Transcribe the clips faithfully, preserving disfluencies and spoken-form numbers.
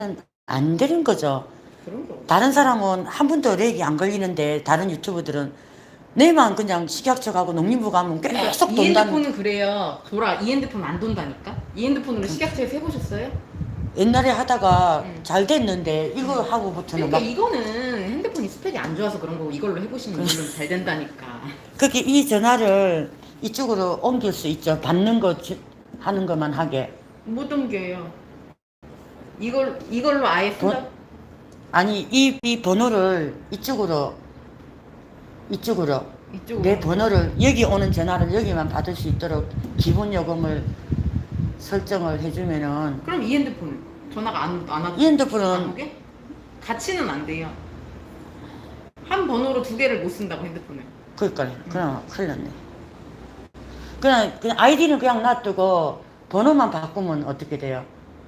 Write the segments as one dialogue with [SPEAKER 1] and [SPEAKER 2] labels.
[SPEAKER 1] 안 되는 거죠.
[SPEAKER 2] 그런 거.
[SPEAKER 1] 다른 사람은 한 번도 렉이 안 걸리는데 다른 유튜버들은 내만 그냥 식약처 가고 농림부 가면 계속
[SPEAKER 2] 이
[SPEAKER 1] 돈다는.
[SPEAKER 2] 핸드폰은 그래요. 돌아. 이 핸드폰 안 돈다니까. 이 핸드폰으로 식약처에서 해보셨어요?
[SPEAKER 1] 옛날에 하다가
[SPEAKER 2] 응.
[SPEAKER 1] 잘 됐는데 이거 하고부터는
[SPEAKER 2] 그러니까
[SPEAKER 1] 막
[SPEAKER 2] 이거는 핸드폰이 스펙이 안 좋아서 그런 거고 이걸로 해보시면 이걸로 잘 된다니까.
[SPEAKER 1] 그렇게 이 전화를 이쪽으로 옮길 수 있죠. 받는 거 지- 하는 것만 하게.
[SPEAKER 2] 못 옮겨요. 이걸 이걸로 아예 쓴다.
[SPEAKER 1] 돈- 아니 이, 이 번호를 이쪽으로 이쪽으로
[SPEAKER 2] 이쪽으로.
[SPEAKER 1] 내 번호를 여기 오는 전화를 여기만 받을 수 있도록 기본 요금을 설정을 해주면은
[SPEAKER 2] 그럼 이 핸드폰은 전화가 안, 안 와도
[SPEAKER 1] 이 핸드폰은
[SPEAKER 2] 안 오게? 같이는 안 돼요. 한 번호로 두 개를 못 쓴다고 핸드폰을.
[SPEAKER 1] 그러니까 그냥 큰일 났네. 그냥 그냥 아이디는 그냥 놔두고 번호만 바꾸면 어떻게 돼요?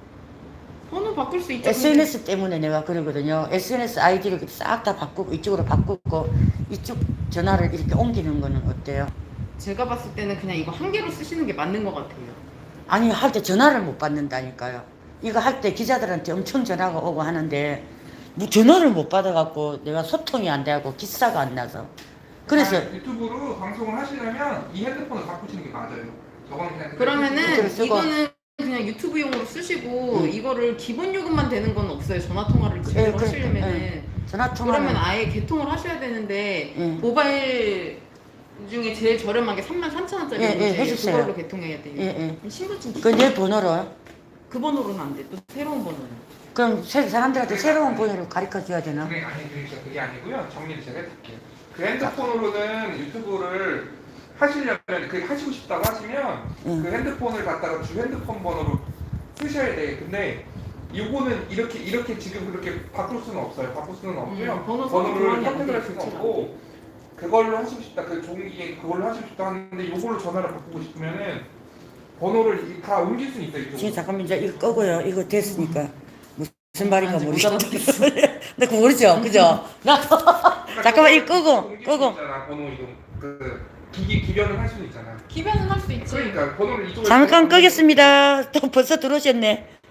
[SPEAKER 2] 번호 바꿀 수 있죠.
[SPEAKER 1] 에스엔에스 때문에 내가 그러거든요. 에스엔에스 아이디를 싹 다 바꾸고 이쪽으로 바꾸고 이쪽 전화를 이렇게 옮기는 거는 어때요?
[SPEAKER 2] 근데 제가 봤을 때는 그냥 이거 한 개로 쓰시는 게 맞는 것 같아요.
[SPEAKER 1] 아니 할 때 전화를 못 받는다니까요. 이거 할 때 기자들한테 엄청 전화가 오고 하는데 뭐 전화를 못 받아갖고 내가 소통이 안 돼갖고 기사가 안 나서 그래서
[SPEAKER 3] 아, 유튜브로 방송을 하시려면 이 핸드폰을 바꾸시는 게 맞아요. 저건 그냥
[SPEAKER 2] 그러면은
[SPEAKER 1] 그대로 쓰고.
[SPEAKER 2] 이거는 그냥 유튜브용으로 쓰시고
[SPEAKER 1] 음.
[SPEAKER 2] 이거를 기본 요금만 되는 건 없어요. 전화 통화를
[SPEAKER 1] 예,
[SPEAKER 2] 제대로
[SPEAKER 1] 그러니까,
[SPEAKER 2] 하시려면은.
[SPEAKER 1] 예. 전화 통화는
[SPEAKER 2] 그러면 아예 개통을 하셔야 되는데
[SPEAKER 1] 예.
[SPEAKER 2] 모바일 중에 제일 저렴한 게 삼만 삼천 원짜리
[SPEAKER 1] 예, 예, 해주세요.
[SPEAKER 2] 그걸로 개통해야 돼요.
[SPEAKER 1] 예, 예.
[SPEAKER 2] 신분증
[SPEAKER 1] 그 내 번호로
[SPEAKER 2] 그 번호로는 안 돼. 또 새로운 번호는.
[SPEAKER 1] 그럼 새- 사람들한테 새로운 번호를 가르쳐 줘야 되나?
[SPEAKER 3] 그게 아니 그러니까 그게 아니고요. 정리를 제가 해드릴게요. 그 핸드폰으로는 유튜브를 하시려면 그 하시고 싶다고 하시면
[SPEAKER 1] 응.
[SPEAKER 3] 그 핸드폰을 갖다가 주 핸드폰 번호로 쓰셔야 돼. 근데 이거는 이렇게 이렇게 지금 그렇게 바꿀 수는 없어요. 바꿀 수는 없고요.
[SPEAKER 2] 음, 번호
[SPEAKER 3] 번호를
[SPEAKER 2] 교환이 안
[SPEAKER 3] 선택을 할
[SPEAKER 2] 돼,
[SPEAKER 3] 수는
[SPEAKER 2] 그렇죠.
[SPEAKER 3] 없고 그걸로 하시고 싶다. 그 종이에 그걸로 하시고 싶다 하는데 이걸로 전화를 바꾸고 싶으면은 번호를 다 옮길 수는 있어요.
[SPEAKER 1] 지금
[SPEAKER 3] 이쪽으로.
[SPEAKER 1] 잠깐만 이제 이거 끄고요. 이거 됐으니까 무슨 말인가
[SPEAKER 2] 아직 못
[SPEAKER 1] 모르겠어.
[SPEAKER 2] 알아듣겠어.
[SPEAKER 1] 나 그거 모르죠, 그죠? 나 잠깐만 이거 끄고
[SPEAKER 3] 옮길 수
[SPEAKER 1] 끄고.
[SPEAKER 3] 있잖아. 번호 이동 그 기기 기변을 할 수는 있잖아.
[SPEAKER 2] 기변은 할 수 있지.
[SPEAKER 3] 그러니까 번호를 이쪽으로
[SPEAKER 1] 잠깐 끄겠습니다. 또 벌써 들어오셨네.